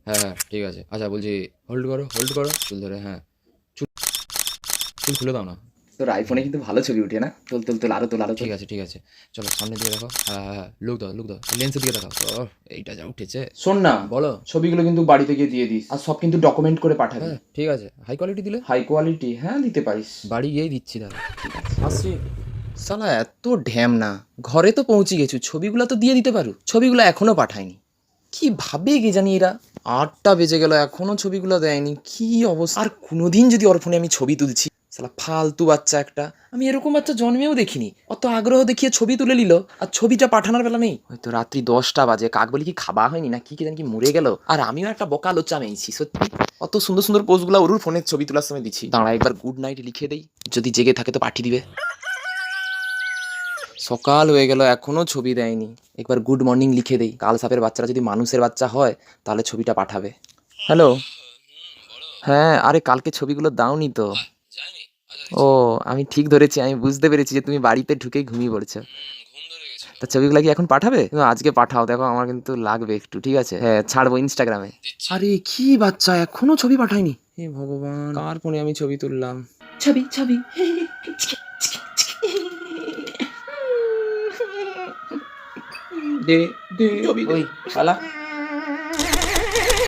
হ্যাঁ হ্যাঁ ঠিক আছে। আচ্ছা বলছি, হোল্ড করো হোল্ড করো, চুল ধরে, হ্যাঁ চুল চুল খুলে দাও না। তোর আইফোনে কিন্তু ভালো ছবি উঠে না? তোল তোল তোল, আরো তোল, আরো তোল। ঠিক আছে ঠিক আছে, চলো সামনের দিকে দেখো, হ্যাঁ হ্যাঁ হ্যাঁ, লুক দাও লেন্সের দিকে দেখাও। ও এইটা যা উঠেছে। শোন না, বলো। ছবিগুলো কিন্তু বাড়িতে গিয়ে দিয়ে দিস, আর সব কিন্তু ডকুমেন্ট করে পাঠাবি। হ্যাঁ ঠিক আছে, হাই কোয়ালিটি দিলে হাই কোয়ালিটি, হ্যাঁ দিতে পারিস। বাড়ি গিয়েই দিচ্ছি দাদা। আসছি। শালা এত ঢ্যাম না, ঘরে তো পৌঁছে গেছু, ছবিগুলো তো দিয়ে দিতে পারু, ছবিগুলো এখনো পাঠায়নি। কি ভাবে কে জানি এরা। 8টা বেজে গেল এখনো ছবিগুলো দেয়নি, কি অবস্থা। আর কোনোদিন যদি ওর ফোনে আমি ছবি তুলছি, শালা ফালতু বাচ্চা একটা। আমি এরকম বাচ্চা জন্মেও দেখিনি, অত আগ্রহ দেখিয়ে ছবি তুলে নিল, আর ছবিটা পাঠানোর বেলা নেই। হয়তো রাত্রি 10টা বাজে, কাক বলি কি খাওয়া হয়নি না কি জানি, কি মরে গেল। আর আমিও একটা বকা লোচা মেয়েছি সত্যি। অত সুন্দর সুন্দর পোজগুলো ওর ফোনের ছবি তোলার সময় দিচ্ছি। দাঁড়া একবার গুড নাইট লিখে দেই, যদি জেগে থাকে তো পাঠিয়ে দিবে। সকাল হয়ে গেল এখনো ছবি দেয়নি, একবার গুড মর্নিং লিখে দেই, কাল সাপের বাচ্চারা যদি মানুষের বাচ্চা হয় তাহলে ছবিটা পাঠাবে। হ্যালো। হ্যাঁ, আরে কালকে ছবিগুলো দাওনি তো। ও, আমি ঠিক ধরেছি, আমি বুঝতে পেরেছি যে তুমি বাড়িতে ঢুকেই ঘুমিয়ে পড়েছো। তা ছবিগুলো কি এখন পাঠাবে? তুমি আজকে পাঠাও, দেখো আমার কিন্তু লাগবে একটু, ঠিক আছে? হ্যাঁ ছাড়বো ইনস্টাগ্রামে। আরে কি বাচ্চা এখনো ছবি পাঠায়নি, হে ভগবান, কার ফোনে আমি ছবি তুললাম। ছবি ছবি দে দে, ওই পালা।